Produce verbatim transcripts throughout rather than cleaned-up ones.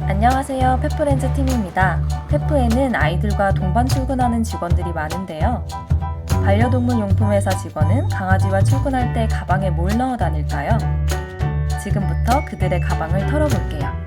안녕하세요. 페프렌즈 팀입니다. 페프에는 아이들과 동반 출근하는 직원들이 많은데요. 반려동물 용품 회사 직원은 강아지와 출근할 때 가방에 뭘 넣어 다닐까요? 지금부터 그들의 가방을 털어볼게요.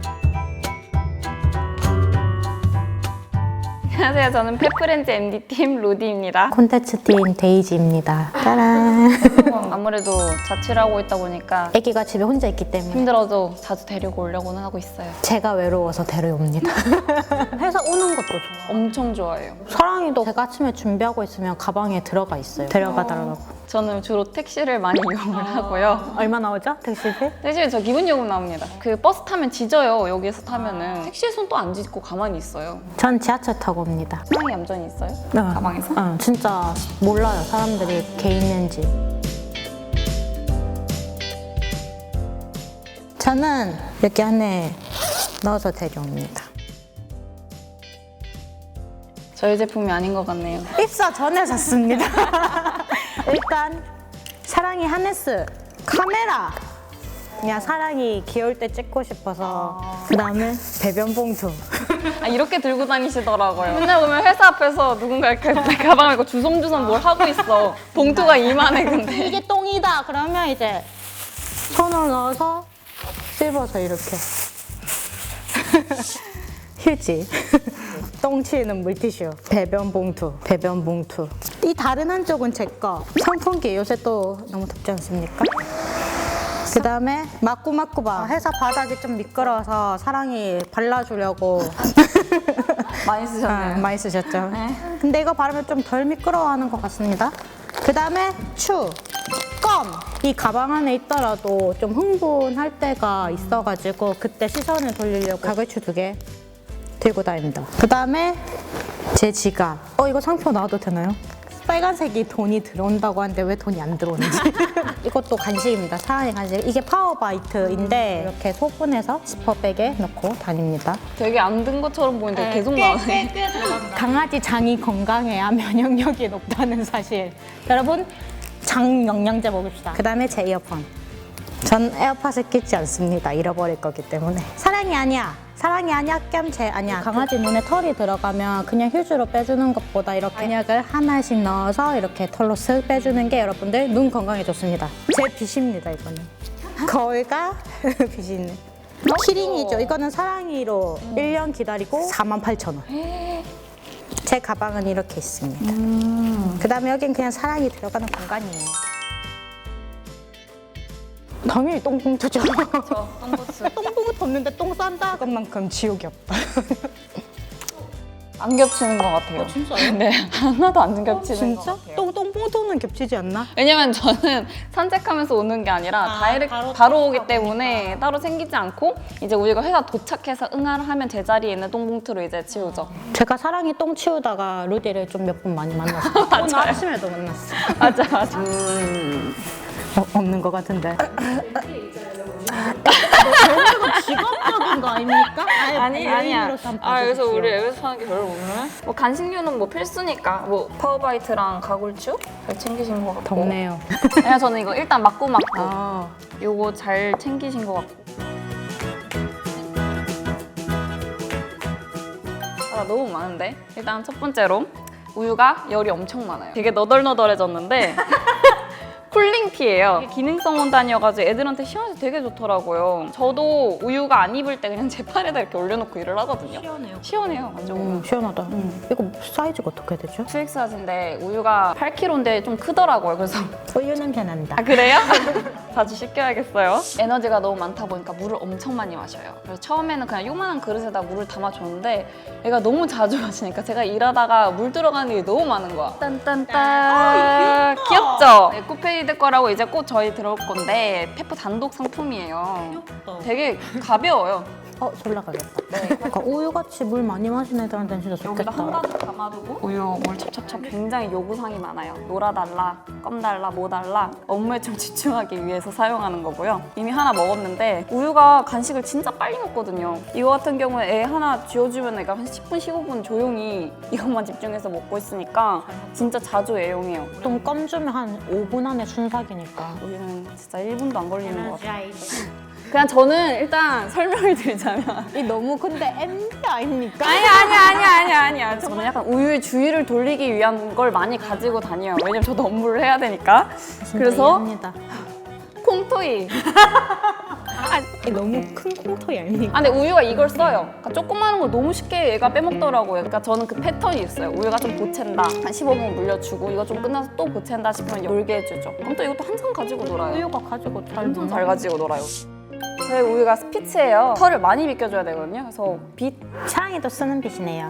안녕하세요. 저는 페프렌즈 엠디팀 로디입니다. 콘텐츠팀 데이지입니다. 짜란. 아무래도 자취를 하고 있다 보니까 아기가 집에 혼자 있기 때문에 힘들어도 자주 데리고 오려고는 하고 있어요. 제가 외로워서 데려옵니다. 회사 오는 것도 좋아. 엄청 좋아해요. 사랑이도 제가 아침에 준비하고 있으면 가방에 들어가 있어요. 데려가달라고. 저는 주로 택시를 많이 이용을 하고요. 얼마 나오죠? 택시비? 택시는 저 기본 요금 나옵니다. 그 버스 타면 지져요. 여기에서 타면은 택시에서는 또 안 짖고 가만히 있어요. 전 지하철 타고 옵니다. 사랑이 얌전히 있어요? 네. 가방에서? 어, 진짜 몰라요. 사람들이 개 있는지. 저는 여기 안에 넣어서 데려옵니다. 저희 제품이 아닌 것 같네요. 입사 전에 샀습니다. 일단 사랑이 하네스, 카메라. 그냥 사랑이 귀여울 때 찍고 싶어서. 그 다음에 배변 봉투. 아, 이렇게 들고 다니시더라고요. 맨날 보면 회사 앞에서 누군가 이렇게 가방을 이렇게 주섬주섬 뭘 하고 있어. 봉투가 이만해 근데. 이게 똥이다 그러면 이제 손을 넣어서 씹어서 이렇게. 휴지. 똥 치는 물티슈. 배변 봉투. 배변 봉투. 이 다른 한쪽은 제 거. 선풍기 요새 또 너무 덥지 않습니까? 그 다음에 마꾸마꾸바. 회사 바닥이 좀 미끄러워서 사랑이 발라주려고. 많이 아, 쓰셨네요. 많이 쓰셨죠? 네. 근데 이거 바르면 좀 덜 미끄러워하는 것 같습니다. 그 다음에 추, 껌. 이 가방 안에 있더라도 좀 흥분할 때가 있어가지고 그때 시선을 돌리려고 가글추 두 개 들고 다닙니다. 그 다음에 제 지갑. 어, 이거 상표 나와도 되나요? 빨간색이 돈이 들어온다고 하는데 왜 돈이 안 들어오는지. 이것도 간식입니다. 사랑의 간식. 이게 파워바이트인데 이렇게 소분해서 지퍼백에 넣고 다닙니다. 되게 안 든 것처럼 보이는데 계속 나오네. 강아지 장이 건강해야 면역력이 높다는 사실. 여러분, 장 영양제 먹읍시다. 그 다음에 제 이어폰. 전 에어팟을 끼지 않습니다. 잃어버릴 거기 때문에. 사랑이 아니야. 사랑이 아니야 겸 제 아니야. 강아지 눈에 털이 들어가면 그냥 휴지로 빼주는 것보다 이렇게 한약을 하나씩 넣어서 이렇게 털로 쓱 빼주는 게 여러분들 눈 건강에 좋습니다. 제 빚입니다, 이거는. 거울과 빚이는. 키링이죠. 이거는 사랑이로 일 년 기다리고 사만 팔천 원. 제 가방은 이렇게 있습니다. 음. 그 다음에 여긴 그냥 사랑이 들어가는 공간이에요. 당연히 똥봉투죠. 저 똥부스. 똥봉투 없는데 똥 싼다? 그만큼 지옥이 없다. 안 겹치는 것 같아요. 진짜요? 네, 하나도 안 겹치는 것 진짜? 같아요. 똥, 똥봉투는 겹치지 않나? 왜냐면 저는 산책하면서 오는 게 아니라 아, 다이렉트 바로 바로, 오기 쫓아오니까. 때문에 따로 생기지 않고 이제 우리가 회사 도착해서 응하를 하면 제자리에 있는 똥봉투로 이제 치우죠. 제가 사랑이 똥 치우다가 루디를 좀 몇 번 많이 만났어요. 오늘 아침에도 만났어. 맞아, 맞아. 음. 어, 없는 것 같은데. 이거 직업적인 거 아닙니까? 아니, 아니야. 아, 그래서 우리 앱에서 사는 게 별로 없네. 뭐 간식류는 뭐 필수니까 뭐 파워바이트랑 가글추 잘 챙기신 것 같고. 덥네요. 그냥 저는 이거 일단 맞고 맞고 아, 요거 잘 챙기신 것 같고. 아, 너무 많은데? 일단 첫 번째로 우유가 열이 엄청 많아요. 되게 너덜너덜해졌는데 쿨링티예요. 이게 기능성 원단이어가지고 애들한테 시원해서 되게 좋더라고요. 저도 우유가 안 입을 때 그냥 제 팔에다 이렇게 올려놓고 일을 하거든요. 시원해요. 시원해요, 완전. 음, 시원하다. 이거 사이즈가 어떻게 되죠? 투 엑스 사진인데 우유가 팔 킬로그램인데 좀 크더라고요. 그래서 우유 냄새 난다. 아, 그래요? 자주 씻겨야겠어요. 에너지가 너무 많다 보니까 물을 엄청 많이 마셔요. 그래서 처음에는 그냥 요만한 그릇에다 물을 담아줬는데 얘가 너무 자주 마시니까 제가 일하다가 물 들어가는 게 너무 많은 거야. 딴딴딴. 귀엽죠? 네, 코페이드 거라고 이제 곧 저희 들어올 건데 페프 단독 상품이에요. 되게 가벼워요. 어, 졸라 가겠다. 네. 그러니까 우유같이 물 많이 마시는 애들한테는 진짜 여기다 좋겠다. 한 가득 담아두고 우유 물 찹찹찹 굉장히 요구사항이 많아요. 놀아달라, 껌 달라, 뭐 달라 업무에 좀 집중하기 위해서 사용하는 거고요. 이미 하나 먹었는데 우유가 간식을 진짜 빨리 먹거든요. 이거 같은 경우에 애 하나 쥐어주면 애가 한 십 분, 십오 분 조용히 이것만 집중해서 먹고 있으니까 진짜 자주 애용해요. 보통 껌 주면 한 오 분 안에 순삭이니까. 우유는 진짜 일 분도 안 걸리는 것 같아요. 그냥 저는 일단 설명을 드리자면 이 너무 근데 엠디 아닙니까? 아니 아니 아니 아니 아니야. 저는 약간 우유의 주위를 돌리기 위한 걸 많이 가지고 다녀요. 왜냐면 저도 업무를 해야 되니까. 그래서 이해합니다. 콩토이. 이 너무 큰 콩토이 아닙니까? 아 근데 우유가 이걸 써요. 그러니까 조그마한 거 너무 쉽게 얘가 빼먹더라고요. 그러니까 저는 그 패턴이 있어요. 우유가 좀 보챈다. 한 십오 분 물려주고 이거 좀 끝나서 또 보챈다 싶으면 놀게 해주죠. 그럼 또 이것도 한참 가지고 놀아요. 우유가 가지고 잘 엄청 잘 가지고 놀아요. 저희 우유가 스피츠예요. 털을 많이 비껴줘야 되거든요. 그래서 빛 사랑이도 쓰는 빛이네요.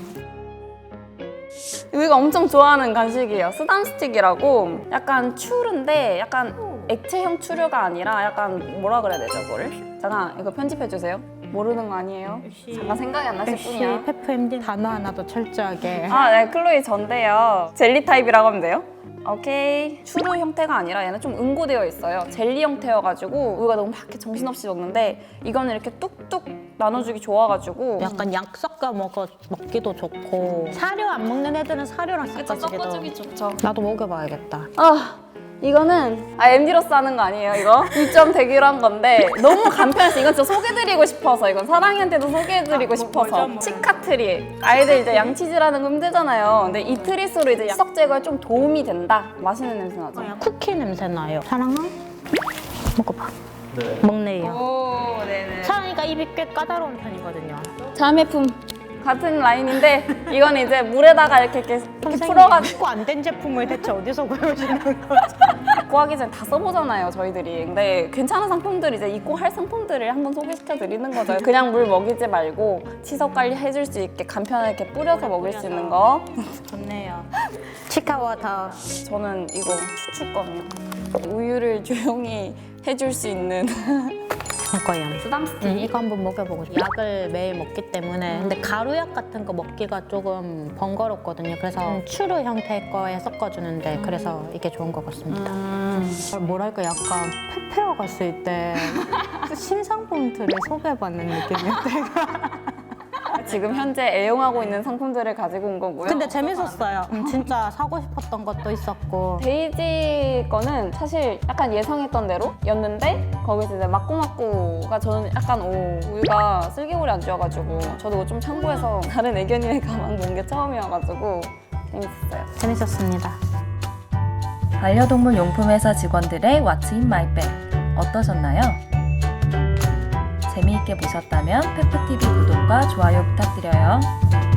우유가 엄청 좋아하는 간식이에요. 스담 스틱이라고 약간 추른데 약간 액체형 추류가 아니라 약간 뭐라 그래야 되죠, 그거를? 잠깐 이거 편집해 주세요. 모르는 거 아니에요? 잠깐 생각이 안 나실 역시 뿐이야. 페프 엠디 단어 하나도 철저하게. 아, 네, 클로이 전데요. 젤리 타입이라고 하면 돼요. 오케이. 추루 형태가 아니라 얘는 좀 응고되어 있어요. 젤리 형태여가지고 우유가 너무 막 이렇게 정신없이 먹는데 이거는 이렇게 뚝뚝 나눠주기 좋아가지고 약간 약 섞어 먹어 먹기도 좋고 사료 안 먹는 애들은 사료랑 그쵸, 섞어주기도. 섞어주기 좋죠. 나도 먹여봐야겠다. 아 이거는 아 엠디로서 하는 거 아니에요 이거? 일 점 대기로 한 건데 너무 간편해서 이건 진짜 소개드리고 싶어서 이건 사랑이한테도 소개해드리고 싶어서 치카트리 아이들 이제 양치질하는 거 힘들잖아요. 근데 이 트릿으로 이제 석 제거에 좀 도움이 된다. 맛있는 냄새 나죠? 쿠키 냄새 나요. 사랑아 먹어봐. 먹네요. 오 네네. 사랑이가 입이 꽤 까다로운 편이거든요. 자매품 같은 라인인데 이건 이제 물에다가 이렇게 이렇게, 이렇게 선생님, 풀어가지고 입고 안 된 제품을 대체 어디서 구해오시는 거죠? 입고 하기 전에 다 써보잖아요 저희들이. 근데 괜찮은 상품들 이제 입고 할 상품들을 한번 소개시켜 드리는 거죠. 그냥 물 먹이지 말고 치석 관리 해줄 수 있게 간편하게 뿌려서 먹을 수 있는 거. 좋네요. 치카워터. 저는 이거 추출거든요. 우유를 조용히 해줄 수 있는 이거요. 쓰담 스틱. 음, 이거 한번 먹여보고 싶어요. 약을 매일 먹기 때문에 근데 가루약 같은 거 먹기가 조금 번거롭거든요. 그래서 음, 추루 형태의 거에 섞어주는데 그래서 이게 좋은 것 같습니다. 음. 뭐랄까 약간 페페어 갔을 때 신상품들을 소개해받는 느낌이었대요. 지금 현재 애용하고 있는 상품들을 가지고 온 거고요. 근데 재밌었어요. 음, 진짜 사고 싶었던 것도 있었고. 데이지 거는 사실 약간 예상했던 대로였는데 거기서 이제 막구막구가 저는 약간 오 우유가 쓸개골이 안 좋아가지고 저도 이거 좀 참고해서 다른 애견이의 가방 본 게 처음이어가지고 재밌었어요. 재밌었습니다. 반려동물 용품 회사 직원들의 What's in my bag 어떠셨나요? 재미있게 보셨다면 페프티비 구독과 좋아요 부탁드려요.